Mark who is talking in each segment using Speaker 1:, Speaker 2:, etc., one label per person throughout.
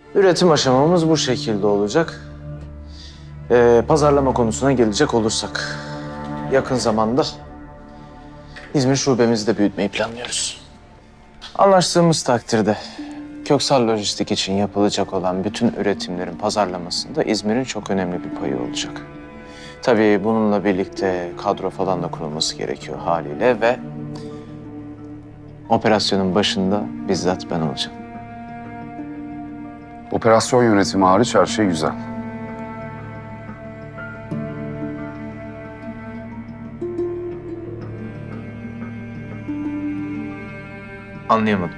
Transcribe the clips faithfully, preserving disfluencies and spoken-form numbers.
Speaker 1: Üretim aşamamız bu şekilde olacak. Ee, pazarlama konusuna gelecek olursak, yakın zamanda İzmir şubemizi de büyütmeyi planlıyoruz. Anlaştığımız takdirde Köksal Lojistik için yapılacak olan bütün üretimlerin pazarlamasında İzmir'in çok önemli bir payı olacak. Tabii bununla birlikte kadro falan da kurulması gerekiyor haliyle ve operasyonun başında bizzat ben olacağım.
Speaker 2: Operasyon yönetimi hariç her şey güzel.
Speaker 1: Anlayamadım.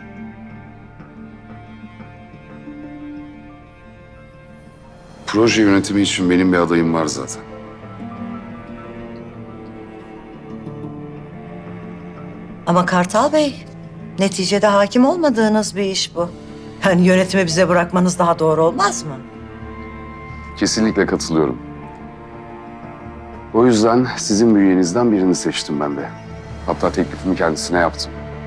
Speaker 2: Proje yönetimi için benim bir adayım var zaten.
Speaker 3: Ama Kartal Bey, neticede hakim olmadığınız bir iş bu. Yani yönetimi bize bırakmanız daha doğru olmaz mı?
Speaker 2: Kesinlikle katılıyorum. O yüzden sizin bünyenizden birini seçtim ben de. Hatta teklifimi kendisine yaptım.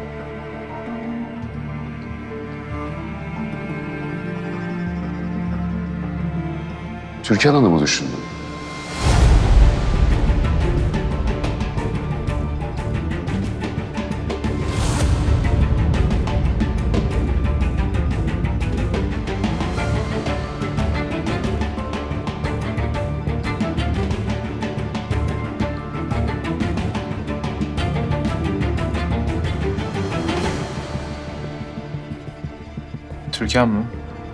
Speaker 2: Türkan Hanım'ı düşündüm.
Speaker 1: Türkan mı?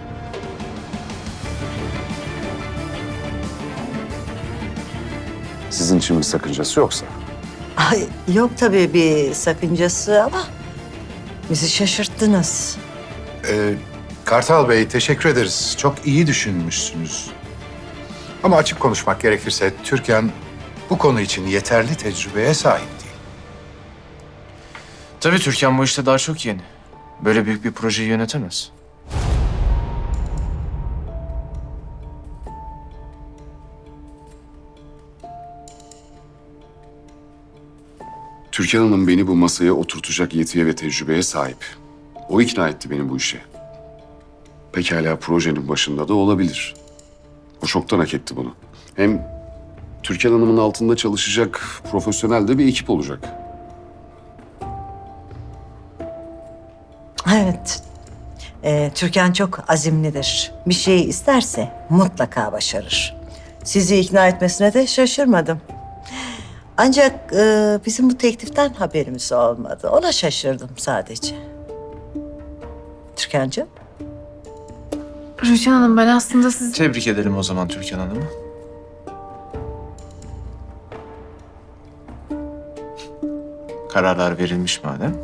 Speaker 2: Sizin için bir sakıncası yoksa.
Speaker 3: Ay, yok tabii bir sakıncası ama bizi şaşırttınız.
Speaker 4: Ee, Kartal Bey, teşekkür ederiz. Çok iyi düşünmüşsünüz. Ama açık konuşmak gerekirse Türkan bu konu için yeterli tecrübeye sahip değil.
Speaker 1: Tabii Türkan bu işte daha çok yeni. Böyle büyük bir projeyi yönetemez.
Speaker 2: Türkan Hanım beni bu masaya oturtacak yetiye ve tecrübeye sahip. O ikna etti beni bu işe. Pekala projenin başında da olabilir. O çoktan hak etti bunu. Hem Türkan Hanım'ın altında çalışacak profesyonel de bir ekip olacak.
Speaker 3: Evet, ee, Türkan çok azimlidir. Bir şeyi isterse mutlaka başarır. Sizi ikna etmesine de şaşırmadım. Ancak e, bizim bu tekliften haberimiz olmadı. Ona şaşırdım sadece. Türkan'cığım.
Speaker 5: Rüçhan Hanım, ben aslında siz...
Speaker 1: Tebrik edelim o zaman Türkan Hanım'ı. Kararlar verilmiş madem.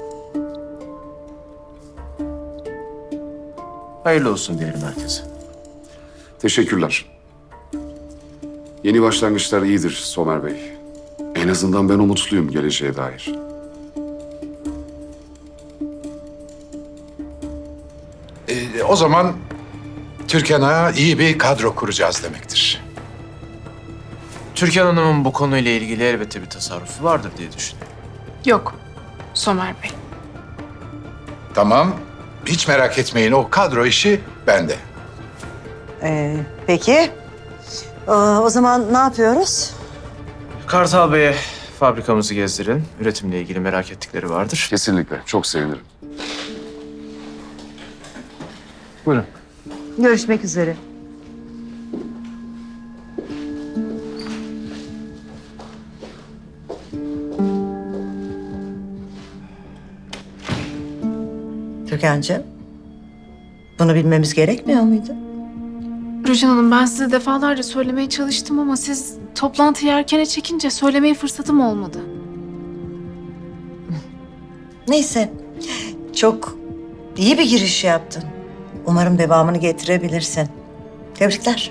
Speaker 1: Hayırlı olsun diyelim herkese.
Speaker 2: Teşekkürler. Yeni başlangıçlar iyidir Somer Bey. En azından ben umutluyum geleceğe dair.
Speaker 4: Ee, o zaman Türkan'a iyi bir kadro kuracağız demektir.
Speaker 1: Türkan Hanım'ın bu konuyla ilgili elbette bir tasarrufu vardır diye düşünüyorum.
Speaker 5: Yok, Somer Bey.
Speaker 4: Tamam, hiç merak etmeyin. O kadro işi bende.
Speaker 3: Ee, peki. Ee, o zaman ne yapıyoruz?
Speaker 1: Kartal Bey'e fabrikamızı gezdirin. Üretimle ilgili merak ettikleri vardır.
Speaker 2: Kesinlikle. Çok sevinirim.
Speaker 1: Buyurun.
Speaker 3: Görüşmek üzere. Türkan'cığım, bunu bilmemiz gerekmiyor muydu?
Speaker 5: Rüçhan Hanım, ben size defalarca söylemeye çalıştım ama siz toplantıyı erkene çekince söylemeye fırsatım olmadı.
Speaker 3: Neyse, çok iyi bir giriş yaptın. Umarım devamını getirebilirsin. Tebrikler.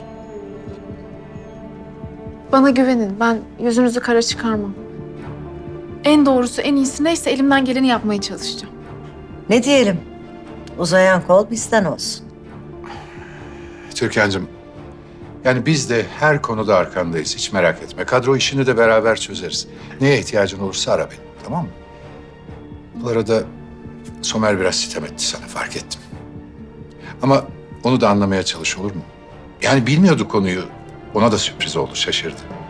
Speaker 5: Bana güvenin, ben yüzünüzü kara çıkarmam. En doğrusu, en iyisi neyse elimden geleni yapmaya çalışacağım.
Speaker 3: Ne diyelim? Uzayan kol bizden olsun.
Speaker 4: Türkan'cığım, yani biz de her konuda arkandayız. Hiç merak etme. Kadro işini de beraber çözeriz. Neye ihtiyacın olursa ara beni, tamam mı? Bu arada Somer biraz sitem etti sana, fark ettim. Ama Onu da anlamaya çalış, olur mu? Yani bilmiyordu konuyu. Ona da sürpriz oldu, şaşırdı.